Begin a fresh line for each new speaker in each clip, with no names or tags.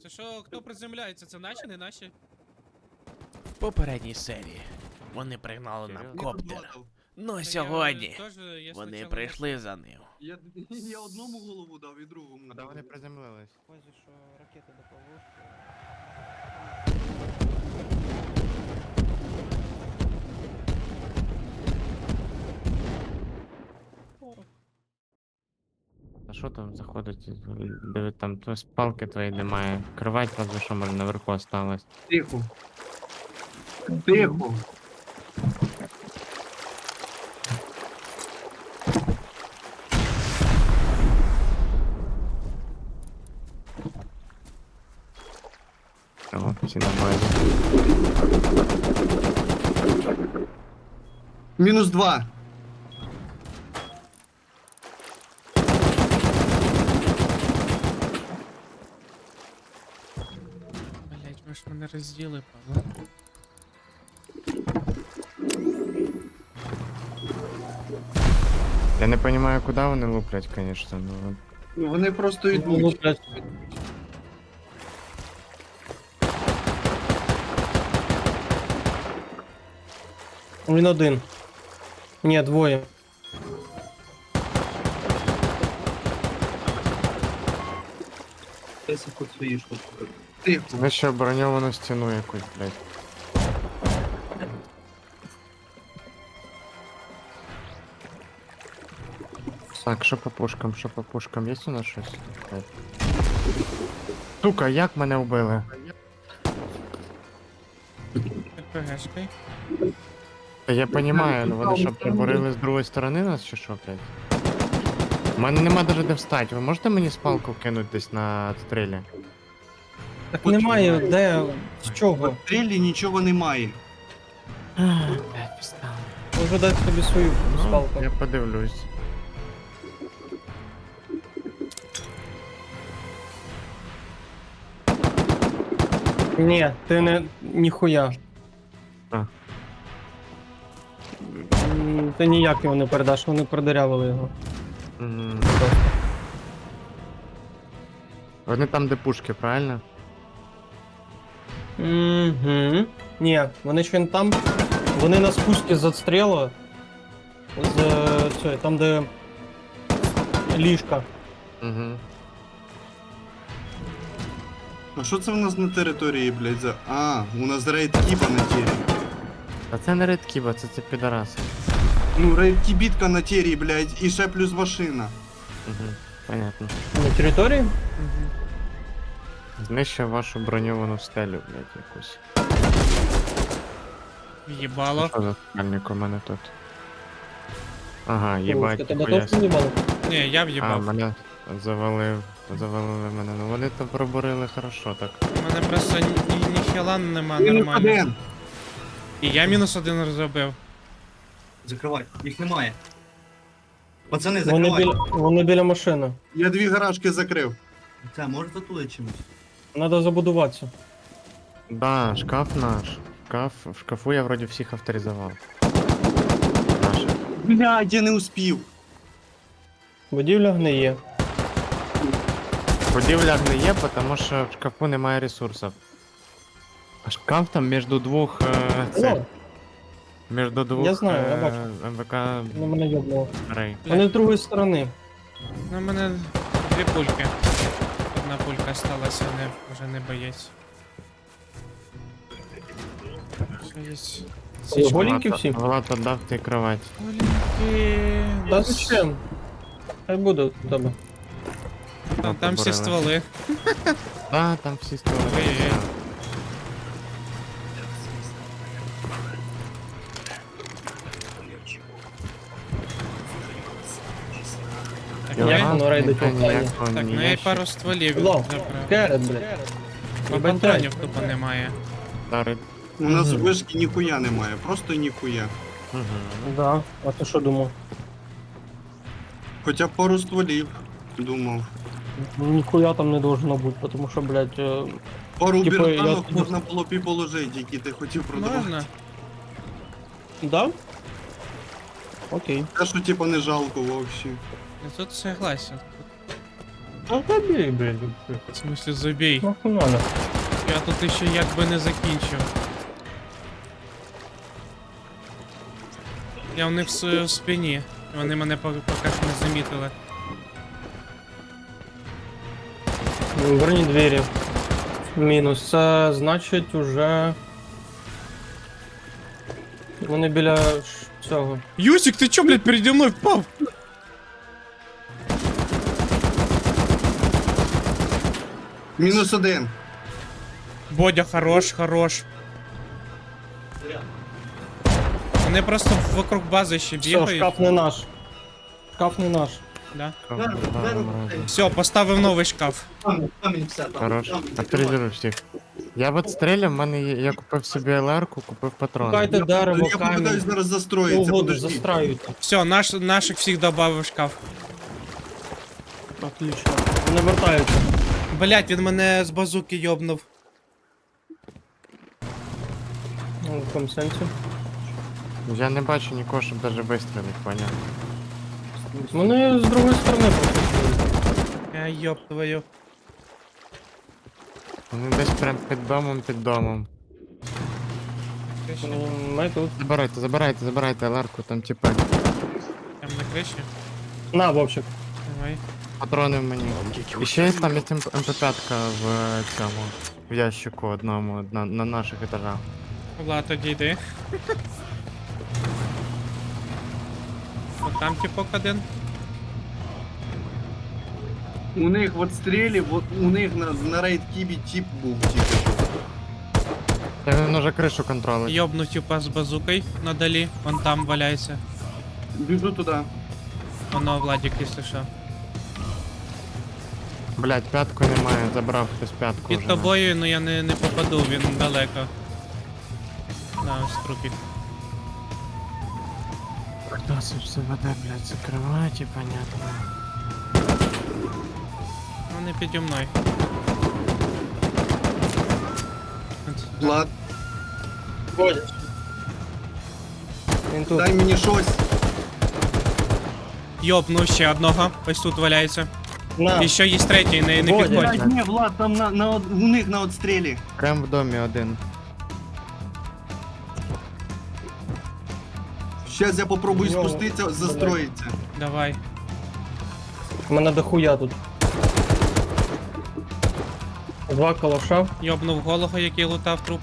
Це що, хто приземляється? Це наші, не наші?
В попередній серії вони пригнали нам коптер. Ну сьогодні вони прийшли за ним.
Я одному голову дав і другому.
Куди вони приземлились?
Возі, що ракети до повозки.
А що там заходить? Диви, там палки твої немає. Кровать разве що може наверху осталась.
Тихо. Тихо.
О, всі на базі.
-2.
Блять, ви ж мене розділи, Павло.
Я не розумію, куди вони луплять, звісно, ну.
Ну вони просто
Ну,
йдуть.
блядь. Він один. Ні, двоє.
Тихо.
Ви ще броньовану стіну якусь, блядь. Так, що по пушкам, що по пушкам? Є у нас щось? Блядь. Сука, як мене вбили?
РПГшкой.
Та я понімаю, ну вони що, приборили з другої сторони нас чи що, блядь? У мене нема даже де встати. Ви можете мені спалку кинути десь на стрілі?
Так немає, де, з чого?
В трілі нічого немає.
Блядь, пістали.
Можу дати тобі свою
Ну,
спалку.
я подивлюсь.
Ні, ти не, ніхуя.
А.
Ти ніяк його не передаш, вони продырявили його.
М. Вони там, де пушки, правильно?
Угу. Ні, вони ще не там. Вони на спуску з отстрілу. Там, де ліжка.
Угу.
А що це в нас на території, блядь, за. А, у нас рейд кіба на тірі.
А це не редкіба, це підараси.
Ну, рейд кібітка на тірі, блядь, і ще плюс машина.
Угу. Понятно.
На території?
Знищив вашу броньовану стелю, блядь, якусь.
Їбало.
Що за спальник у мене тут? Ага,
Ти
їбать,
тебе
ніхуя
точно не бали?
Ні, я
А,
в'їбав.
мене завалили мене. Ну вони то пробурили хорошо так.
У мене просто ніхіла нема
Мінус
нормально.
один.
І я -1 розробив.
Закривай, їх немає. Пацани,
Вони
закривай.
вони біля машини.
Я 2 гаражки закрив.
Це, може затулити чимось?
Треба забудуватися.
Да, шкаф наш. В шкафу я вроді всіх авторизував. Наш.
Блядь, я не успів.
Будівля гниє.
Будівля не є, тому що в шкафу немає ресурсів. А шкаф там між двох
О,
між двох
Я знаю, я бачу.
МВК
ну мене йобнуло.
рей.
Вони з другої сторони.
Ну, у мене 2 пульки. Одна пулька сталася, вже не боєць. Що є?
Ой, голенькі всі?
Влад отдав ти кровать.
Голінки.
Та зачем? Хай буде у тебе.
Там всі стволи.
Да, там всі столи.
Ой-ой-ой. Так,
Як
я,
воно рейдить
ніяк-
останнє?
ніякого
так, ну я й
ніяк-
пару стволів
Лов,
забрав.
керет, блядь.
Бо патронів тупо немає.
Дарить.
У нас вишки ніхуя немає, просто ніхуя.
Угу.
Да, а ти що думав?
Хоча б пару стволів, думав.
Ніхуя там не должно бути, тому що, блядь,
Пару
Типу,
біртанок
я-
можна було б і положити, які ти хотів продавати.
Можна?
да? Окей.
Те, що типа не жалко взагалі.
Я тут согласен.
Ну тобі, блядь.
В смысле, забій.
Нахуй надо.
Я тут ще якби не закінчив. Я в них в спині. Вони мене поки що не замітили.
Верні двері. Мінус. Це значить уже... Вони біля цього.
Юсик, ти чо, блядь, переді мною впав?
Мінус один.
Бодя, хорош, хорош. Вони просто вокруг бази ще
Все,
бігають.
шкаф не наш. Шкаф не наш.
Да.
Ну,
Все, поставив новий шкаф.
Камінь все там.
Хорош. Авторизируй всіх. Я от стріляв, в мене є, я купив собі ЛР-ку, купив патрони.
Шукайте дерево,
Я попитаюсь
камінь.
зараз
Що
застроїться,
угодно,
подожди.
застраюйте.
Все, наших всіх добавив в шкаф.
Отлично. Вони вертаються.
Блять, він мене з базуки йобнув.
Ну, в якому сенсі?
Я не бачу нікого, щоб даже вистрілити, поняв.
Вони з другої сторони просто.
Я йоб твою.
Вони десь прям під домом.
Ми тут.
Забирайте ЛР-ку, там типа
Там на криші.
На, Вовчик.
Давай.
патрони в мені. І ще є там є МП5 в цьому, в ящику одному, на наших етажах.
Влад, тоді йди. От там типок один.
У них в отстрілі, у них на рейд кібі тіп був тільки що.
Та він уже кришу контролить.
Йобну типа з базукою надалі. Вон там валяється.
Біжу туди.
Воно Владик, якщо що.
Блять, п'ятку немає, забрав хтось п'ятку
Під
вже.
тобою, ну я не попаду, він далеко. На, ось трупік.
Хто це все веде, блять, закривають і понятно.
Вони піді мною.
Влад,
Він тут.
дай мені щось.
Йобну ще одного, ось тут валяється.
На.
І ще є третій, не
Бодя.
підходь.
Блядь, ні, Влад, там у них на отстрілі.
Прям в домі один.
Щас я попробую
Йо,
спуститися, застроїться.
Давай.
У мене дохуя тут. Два калаша.
Йобнув голову, який лутав труп.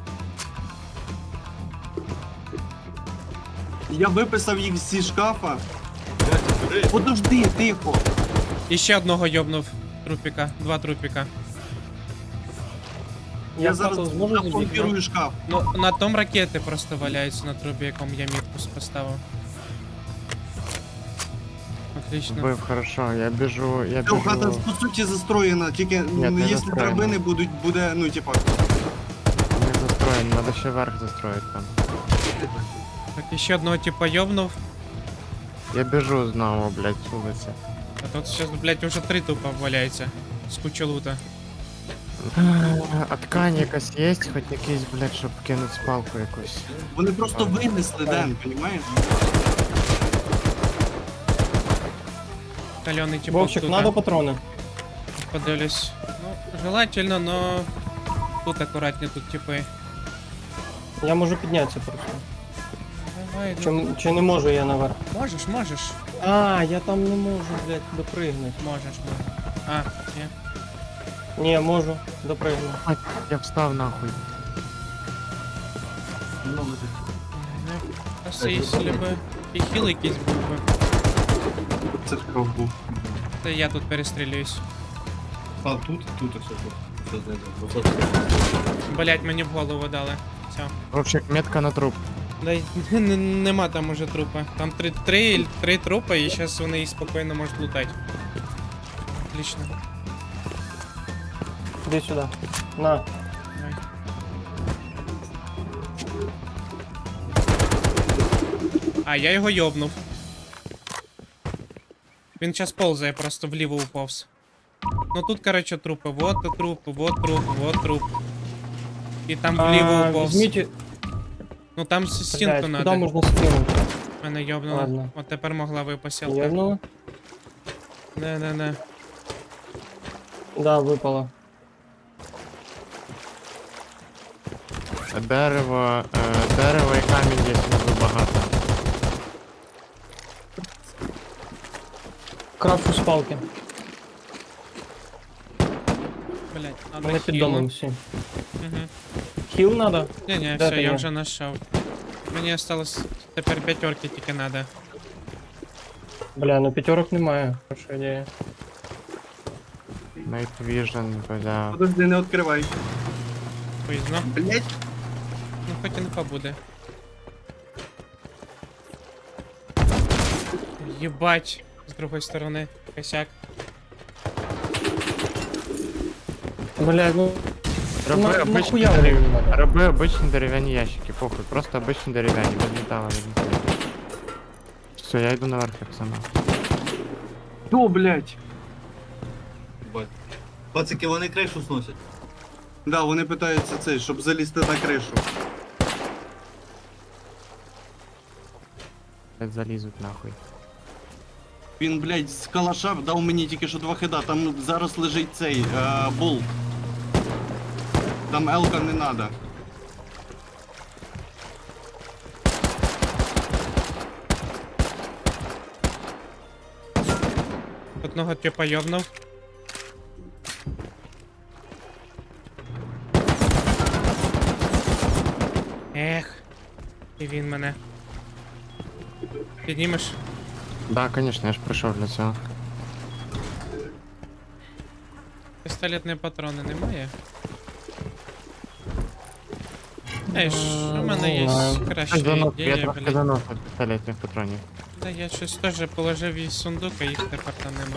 Я виписав їх зі шкафа. Подожди, тихо.
І ще одного йобнув трупіка. Два трупіка.
Я зараз
хату зможу забігти?
заблокирую шкаф.
Ну, на том ракети просто валяються на трубі, якому я мітку поставив. Отлично.
Вбив, хорошо, я біжу.
Все, хата по суті застроєна, тільки
Ні, не
якщо
застроєна.
драбини буде, ну типа.
Не застроєн, треба ще верх застроїти там.
Так, і ще одного типа йобнув.
Я біжу знову, блять, з вулиці.
А тут зараз, блядь, уже 3 тупа валяється. З кучу лута.
А ткань якась є, хоч якийсь, блять, щоб кинути спалку якусь.
Вони просто винесли, Ден, понімаєш?
Кальоний типа
Вовчик,
тут.
надо патрони.
Подивлюсь. Ну, желательно, но тут акуратні тут типи.
Я можу піднятися просто.
Давай, ну,
Чи не можу я наверх?
можеш.
А, я там не можу, блядь, допригнути.
Можеш. А, ні.
Ні, можу, допригну.
А, я встав нахуй.
Ну, просто якщо би і хіл якийсь був би.
Це шкаф був.
Та я тут перестрілююсь.
А, тут все тут. Все знайде.
Блять, мені в голову дали. Все.
Вовчик, метка на труп.
Да нема там уже трупа. Там три трупа, і зараз вони їх спокійно можуть лутати. Отлично.
Іди сюди. На.
Давай. А, я його йобнув. Він зараз ползає, просто вліво уповз. Ну тут, короче, трупи. Вот труп, вот труп, вот труп. І там вліво уповз.
Візьміть,
Ну там стінку
блядь, куди
надо.
можна скинути?
Мене йобнуло.
Ладно.
От тепер могла випасілка.
Євнули?
Не.
Да, випало.
Дерево і камінь є внизу багато.
Крафчу з палки.
Блять, надо
Вони під
хілу.
домом всі.
Угу.
Хіл надо?
Не,
Де
все,
ти
я
є?
вже знайшов. Мені осталось тепер 5 тільки надо.
Бля, ну п'ятерок немає. Хороша ідея.
Night Vision, бля.
Подожди, не відкривай.
Поїзно.
Блять.
Ну хоч інфа буде. Єбать. З другої сторони. Косяк.
Бля, ну
Роби обичні
нахуя вони мені надо?
Роби обичні дерев'яні ящики, похуй, просто обичні дерев'яні, без металу, без нічого. Все, я йду наверх, пацана.
Що, блять?
Бать. Пацики, вони кришу сносять.
Да, вони питаються цей, щоб залізти на кришу.
Блядь, залізуть нахуй.
Він, блять, з калаша дав мені тільки що 2 хида, там зараз лежить цей болт. Там елка не надо.
Одного типа йобнув. Ех. І він мене. Піднімеш?
Да, конечно, я ж прийшов для цього.
Пістолетні патрони немає? Ей, ж, у мене є краща
Я
ідея,
трохи
блядь.
заносив пістолетних патронів.
Да я щось теж положив із сундука, їх тепер там нема.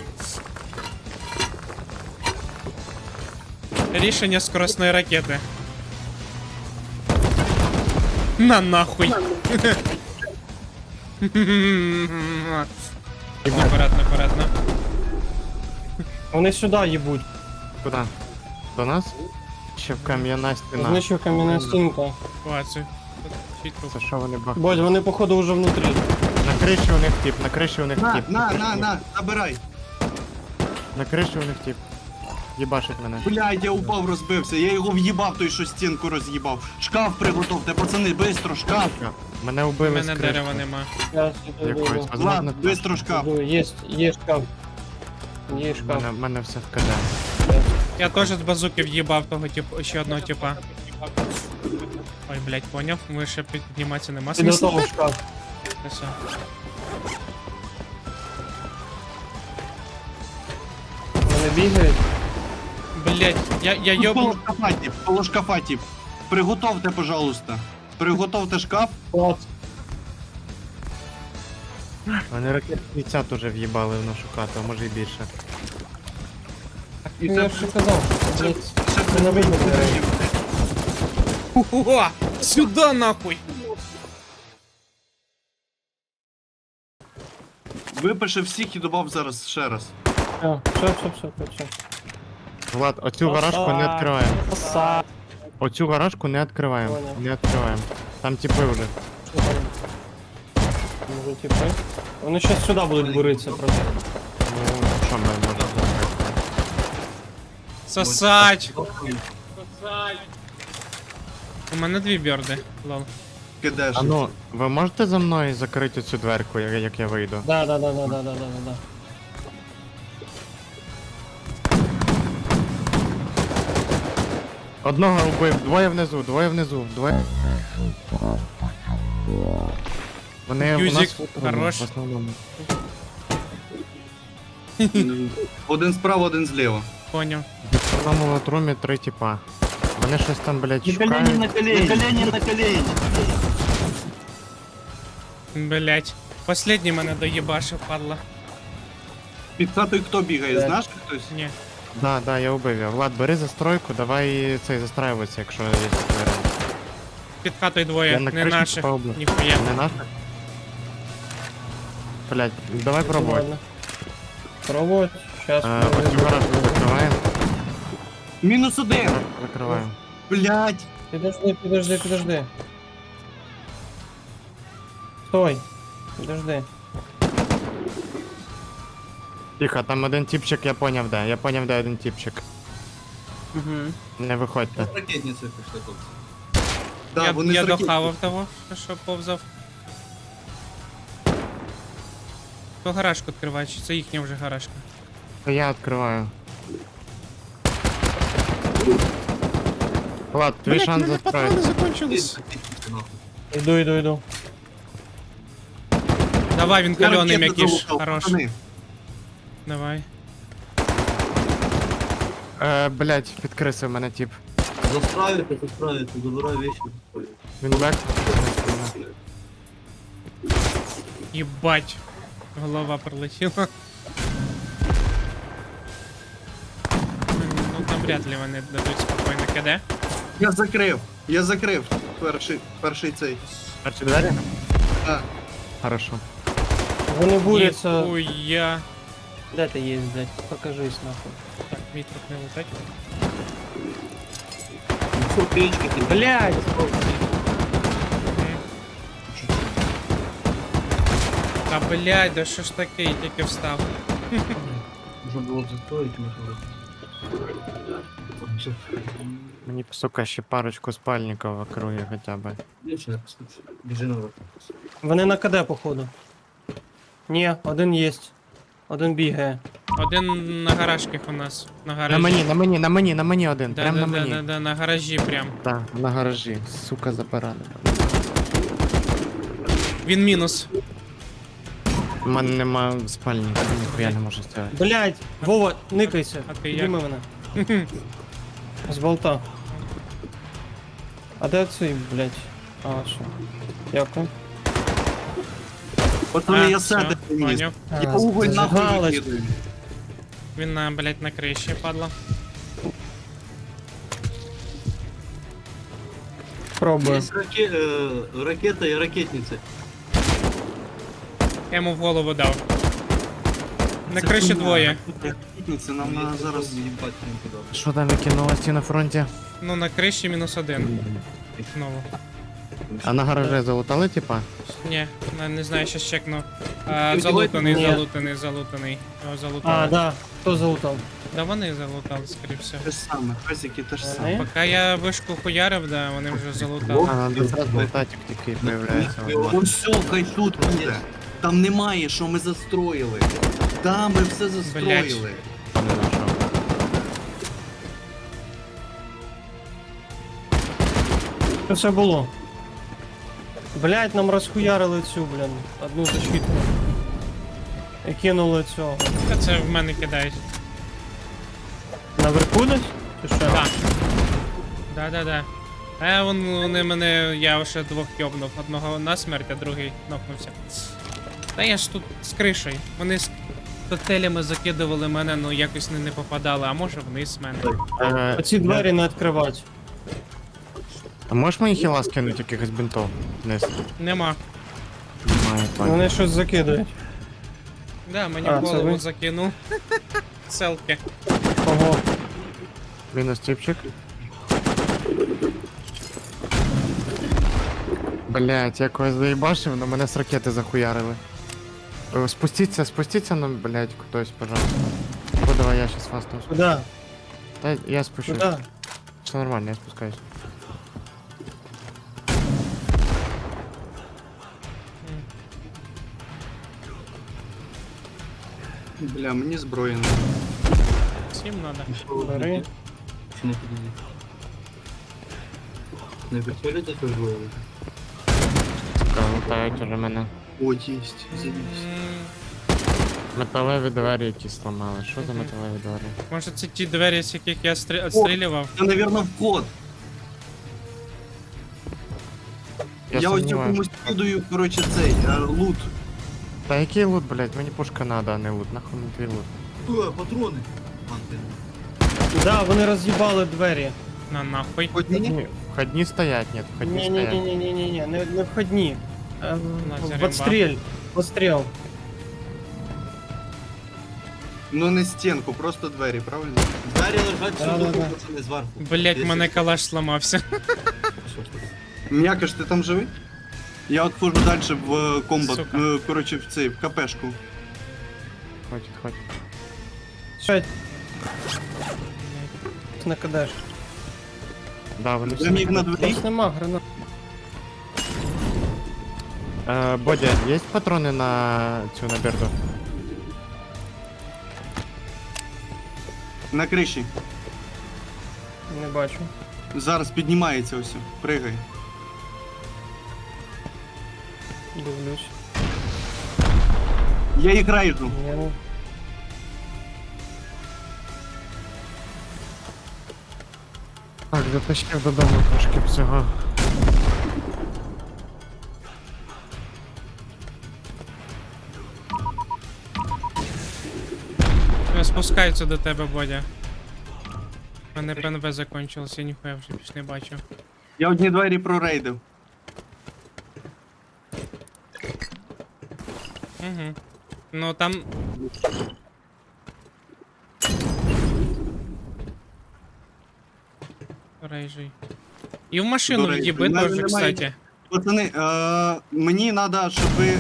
Рішення скоростної ракети. На нахуй. Аккуратно, аккуратно.
Вони сюди їбуть.
Куди? До нас? Ще в кам'яна стіна.
Знищив кам'яна стінка.
Ситуацію. Чий труп?
Це що вони бах?
Бодь, вони походу вже внутрі.
На криші у них тип, на криші у них
На,
тип.
на, забирай.
На криші у них тип. Їбашить мене.
Блядь, я упав, розбився. Я його в'їбав, той, що стінку роз'їбав. Шкаф приготовте, пацани, бистро, шкаф.
Мене
У
вбили з
мене
кришки.
дерева нема.
Я сюди
Якоїсь,
йду.
возможно,
Влад, бистро шкаф.
Є шкаф. Є шкаф.
мене все вкиде.
Я теж з базуки в'їбав того типу, ще одного типа. Ой, блядь, поняв. Ми ще підніматися нема смисла.
Підготовив шкаф.
Все.
Вони бігають.
Блядь, я йобну.
Поло шкафа, тип. Приготовте, пожалуйста. Приготовте шкаф.
От.
Вони ракет 50 уже в'їбали в нашу хату, а може і більше.
І
Ну, я ж і казав.
це,
Блядь,
це
це не видно.
О, сюда нахуй.
Випише всіх і добав зараз ще раз.
Все.
Влад, оцю гаражку не відкриваємо.
Са.
Оцю гаражку не відкриваємо.
Понял.
Не відкриваємо. Там типи вже.
Що там? Може, типи? Вони щас сюди будуть буритися просто.
Ну, що ми можемо зробити?
Сосать. У мене 2 бьорди. Лол.
Кидеш.
А ну, ви можете за мною закрити цю дверку, як я вийду?
Да.
Одного вбив, двоє внизу. Вони у
Юзик,
нас в
хорош.
основному.
Один справа, один зліва.
Поняв.
В основному латрумі 3 типа. Вони щось там, блядь,
На
шукають.
колені.
Блять. Последній мене доїбашив, падла.
Під хатою хто бігає, знаєш хтось?
Ні.
Да, я убив його. Влад, бери застройку, давай цей застраюватися, якщо є такий варіант.
Під хатою
Я
двоє,
на
не
криші
наших.
попав, блядь.
Ніхуя.
Не наш? Блядь, давай пробувати.
Ладно. Пробувати. Щас.
Оцю гаражку закриваємо.
Мінус один.
Закриваємо.
Блять.
Підожди. Стой. Підожди.
Тихо, там один типчик, я поняв де. Я поняв, де один типчик.
Угу.
Не виходьте.
Ракетниці пішли тут.
Да, вони
я
з ракет-
дохавав того, що повзав. То гаражку відкриває, чи це їхня вже гаражка?
То я відкриваю. Влад, твій шанс застроїть.
закончились.
Йду.
Давай, він
Я
кальоний
ракети
м'якіш.
залутав,
Хорош.
пацани.
Давай.
Блять, підкрисив мене тип.
Засправити, забирай вещи.
Він бек.
Єбать. Голова пролетіла. Ну там вряд ли вони дадуть спокійно КД.
Я закрив перший цей.
Перші двері?
Так.
Хорошо.
Вони буряться.
Ніхуя.
Де ти є, блядь? Покажись нахуй.
Так, мій труп не летать.
Все, печки ти.
Блядь!
Та блядь, да що ж таке, я тільки встав.
Можна було б застроїти, можна. Все.
Мені, сука, ще парочку спальників в округі хоча б.
Більше не послухай. Біжи наверх.
Вони на КД, походу. Ні, один єсть. Один бігає.
Один на гаражках у нас. На гаражі.
На мені один.
Да,
Прям
да,
на
да,
мені.
да, да, на гаражі прям.
Так, на гаражі. Сука, забаранена.
Він мінус.
У мене нема спальника, ніхуя не можу зробити.
Блядь! Вова, никайся.
А ти
Підніми мене. З болта. А де цей, блядь? А, що? Дякую.
Пацани, я
все,
сети приніс.
поняв.
Я уголь нахуй
зажигалось.
викидаю.
Він на, блядь, на криші падла.
Пробую.
Є ракета і ракетниця.
Я йому в голову дав. На
Це
криші
хуйня.
двоє.
Ракетниці нам надо зараз.
їбать не кидав.
Що там викинулося на фронті?
Ну на криші мінус один. Знову.
А на гаражі залутали, типа?
Ні, не знаю, щас чекну. Залутаний,
Ні.
залутаний. Його
А,
залутали.
да. Хто залутав?
Да вони залутали, скоріше всього.
Те ж саме, песики те ж саме.
Вони?
Поки я вишку хуярив, да, вони вже залутали.
А, надо зразу лутати, як тільки появляється.
Ось все, хай тут буде. Там немає, що ми застроїли. Да, ми все застроїли.
Не знайшов.
Що це було? Блядь, нам розхуярили цю, блін, одну защитку. І кинули цього.
Та це в мене кидають.
Наверху десь? Чи що?
Так. Да. Вони мене, я ще двох йобнув. Одного насмерть, а другий нокнувся. Та я ж тут з кришею. Вони з котелями закидували мене, ну якось не попадали, а може вниз мене.
Оці двері не відкривати.
А можеш мені хіла скинути якихось бинтов? Вниз.
Нема.
Немає, ладно.
Вони щось закидають.
Да, мені
А,
в
це
голову
ви?
закинув. Селки.
Ого.
Мінус типчик. Блять, я когось заїбашив, но мене з ракети захуярили. Спустіться, ну, блять, хтось, пожалуйста. О, давай, я щас вас там спущу.
Куда?
Та я спущусь.
Куда?
Все нормально, я спускаюсь.
Бля, мені зброї не.
Всім надо.
Бери.
Чи не підійди? Не вертоліті теж виявили?
Лутають уже мене.
О, єсть, завісь.
Металеві двері якісь сломали. Що за металеві двері?
Може це ті двері, з яких я відстрілював?
Це, навірно, вход. Я ось
сумніваюсь.
якомусь кидаю, коротше, цей, лут.
Та який лут, блять? Мені пушка надо, а не лут. Нахуй мені твій лут.
Патрони! Антин.
Да, вони роз'їбали двері.
На нахуй.
Одні?
Ні, входні стоять, ні, входні стоять.
Ні-ні-ні-ні-ні, не входні.
Лазер
В отстріль. Постріл.
Ну не стінку, просто двері, правильно?
Двері лежать
Да,
всюди,
да, да.
пацани, зверху.
Блять,
Десь
мене
ось.
калаш зламався.
Що ж таке?
М'якаш, ти там живий? Я от хожу далі в комбат,
Сука.
коротше, в цей, в КПшку.
Хватит.
П'ять. Не кидаєш.
Да, вони всі.
Заміг на двері.
Нас нема гранат.
Бодя, є патрони на цю на берду?
На криші.
Не бачу.
Зараз піднімається ось. Пригай.
Дивлюсь.
Я їх райжу.
Я не...
Так, затащив додому трошки всього.
Спускаються до тебе, Бодя. У мене ПНВ закончилось, я ніхуя вже більш не бачу.
Я одні двері прорейдив.
Угу. Ну там. Рейжий. І в машину
До рейжу.
в'їби
Мене
теж,
немає.
кстати.
Пацани, мені треба, щоб ви...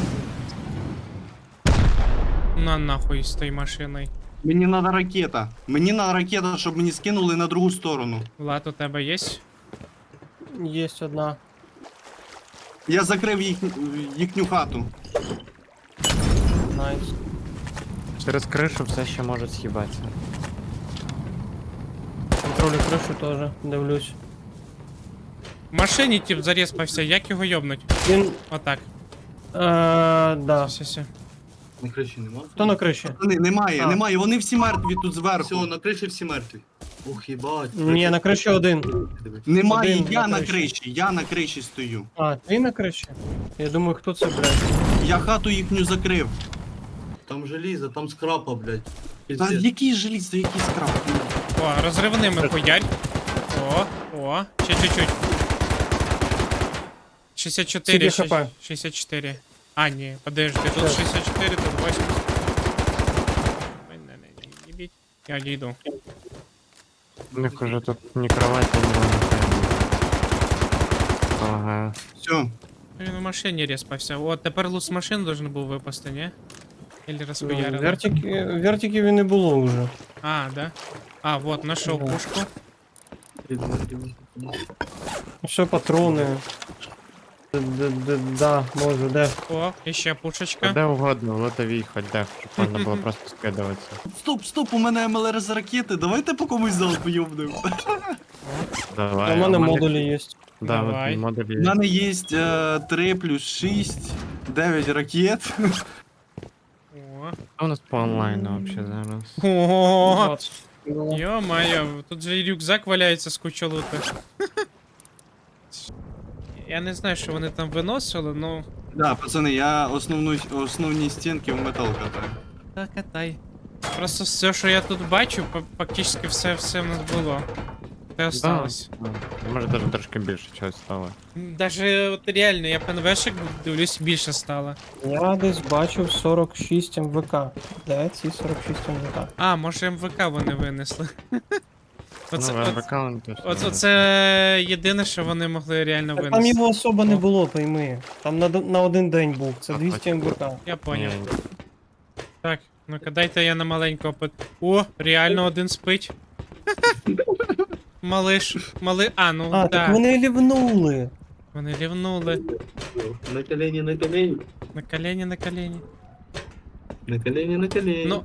На нахуй з тої машиною.
Мені треба ракета. Мені треба ракета, щоб мені скинули на другу сторону.
Влад, у тебе є?
Єсть одна.
Я закрив їхню хату.
Найс.
Через кришу все ще може з'їбатися.
Контролю кришу теж. Дивлюсь.
В машині тип зареспався, як його йобнуть?
Він...
Отак.
Да.
Все.
На криші нема?
Хто на криші?
Пацани, немає,
А.
немає, вони всі мертві тут зверху.
Все, на криші всі мертві. Ох, їбать.
Ні, на криші один.
Немає,
Один
я
на
на
криші.
криші, я на криші стою.
А, ти на криші? Я думаю, хто це, блядь?
Я хату їхню закрив.
Там желізо, там скрапа, блядь.
Та який желізо, який скраб?
О, розривними хуярь. О, ще чуть-чуть. 64,
Скільки хп?
64. А, ні, подожди, тут
Так.
64, тут 80. Ой, не їбіть. Я дійду.
У них уже тут ні кроваті, ні вона. Ага.
Все.
Він в машині респався. О, тепер лут з машин должен був випасти, ні? Или розхуярили?
Вертиків і не було вже.
А, да? А, вот, нашел
Ага.
пушку.
Все, патрони. Да, можу, де.
О, ще пушечка.
Де угодно, в лотовій хоч де, щоб можна було просто скидуватися.
Стоп, у мене МЛР з ракети, давайте по комусь залпу йобнем.
Давай.
У мене
а
модулі є.
Да,
Давай.
от модулі
У
є.
мене є 3 плюс 6, 9 ракет.
О.
Що у нас по онлайну вообще зараз?
О,
20.
ё-моё, тут же і рюкзак валяється з куча лута. Я не знаю, що вони там виносили, ну.
Да, пацани, я основні стінки в метал катаю.
Та катай. Просто все, що я тут бачу, фактично все в нас було. Те осталось.
Може навіть трошки більше чогось стало.
Даже от реально, я ПНВшек дивлюсь, більше стало.
Я десь бачив 46 МВК. Де ці 46 МВК?
А, може МВК вони винесли. Оце,
Ну, в аккаунт
оце єдине, що вони могли реально
Так там
винести.
його особо не було, пойми. Там на один день був. Це 200 МВК.
Я поняв. Так, ну-ка дайте я на маленького опит. О, реально один спить. Малиш, а, ну
А,
да.
так вони лівнули.
Вони рівнули.
На колені, на колені.
На колені, на колені.
На колені, на колені.
Ну,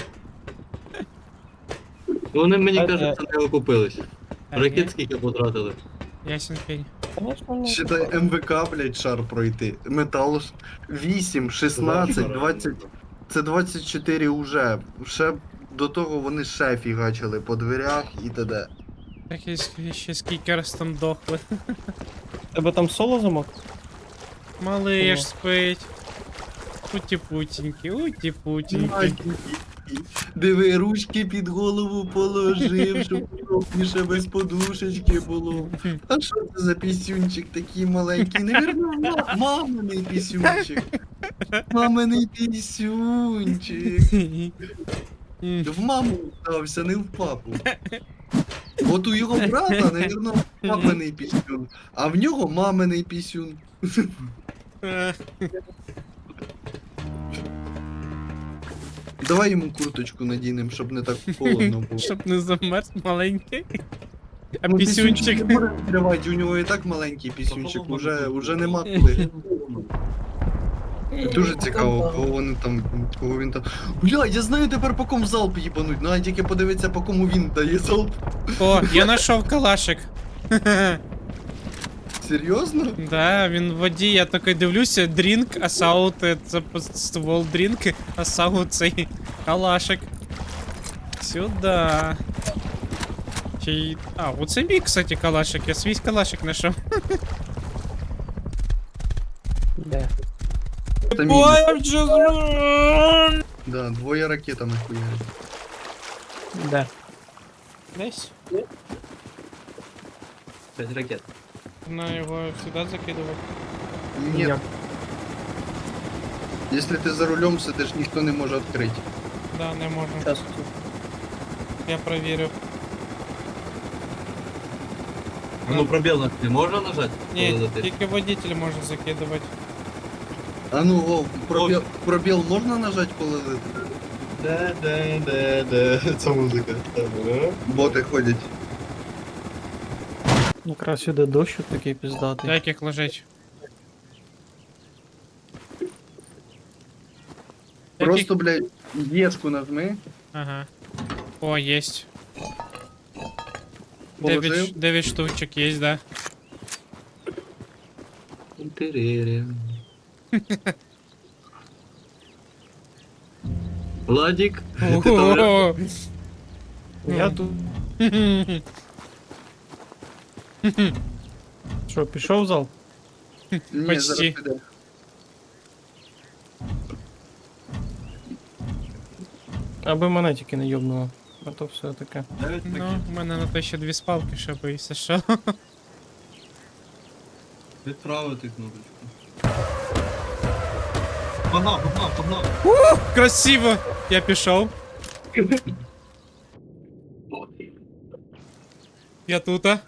Вони, мені
Так,
кажуть, не окупились.
а,
Ракет
ні,
скільки потратили.
ясен пень.
Конечно, ні.
Считай МВК, блядь, шар пройти. Метал 8, 16, 20. Це 24 уже. Ще до того вони ще фігачили по дверях і т.д.
Так і ще скільки раз там дохли.
Тебе там соло замок?
Малиш
О.
спить. Уті-путінькі, уті-путінькі.
Диви, ручки під голову положив, щоб удобніше без подушечки було. А що це за пісюнчик такий маленький? Невірно, маминий пісюнчик. Маминий пісюнчик. В маму стався, не в папу. От у його брата, навірно, папиний пісюн, а в нього маминий пісюн. Давай йому курточку надінемо, щоб не так холодно було.
Щоб не замерз маленький. А
Ну,
пісюнчик.
не буде відкривати, у нього і так маленький пісюнчик, уже нема куди. Дуже цікаво, кого він там. Бля, я знаю тепер по кому залп їбануть, ну а тільки подивитися по кому він дає залп.
О, я знайшов калашик.
Серйозно?
Да, він в воді, я такий дивлюся, дрінк, асаут, це ствол дрінк, асаут цей калашик. Сюда. А, оце мій, кстати, калашик, я свій калашик знайшов.
Де?
Це мій.
Ой, вже зру-
Да, двоє ракетами хуярять.
Де?
Десь.
5 ракет.
На його сюди закидувати.
Ні,
Як?
якщо ти за рулем сидиш, ніхто не може відкрити.
Да, не можу.
Щас.
Я провірив.
Ну пробел не можно нажать?
Ні, тільки водитель може закидувати.
А ну, о, пробіл можна нажати, коли
Да. Це музика.
боти ходять?
Якраз сюди дощ такий піздатий.
Як їх лежить?
Просто, блядь, єшку нажми.
Ага. О, єсть.
Положив.
9 штучок є, да.
Владик, ты там
Ого.
Я тут. Що, пішов в зал?
Ні,
Почти.
зараз піде.
Аби мене тільки не йобнуло. А то все таке.
9
Ну,
ракет.
у мене на те ще 2 спалки, щоб і все що.
Відправити кнопочку. Погнав.
Красиво! Я пішов. Я тута.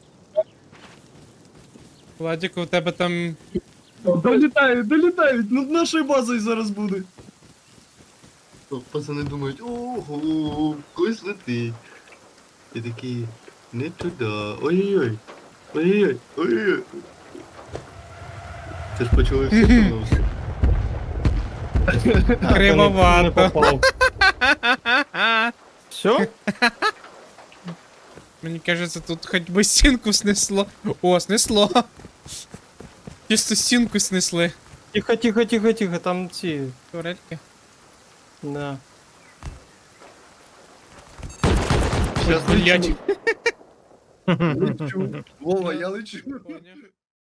Владик, у тебе там.
Долітають, над нашою базою зараз буде.
Пацани думають, ого, когось летить. І такі, не туди. Ой-ой-ой. Ой-ой-ой. Це ж почали всі поновити.
Не
Кривовато.
попав. Все?
Мені кажеться, тут хоч би стінку снесло. О, снесло. Чисто стінку снесли.
Тихо, там ці.
Турельки.
Да.
Щас
Блять.
лечу. Вова, я лечу.
Поняв.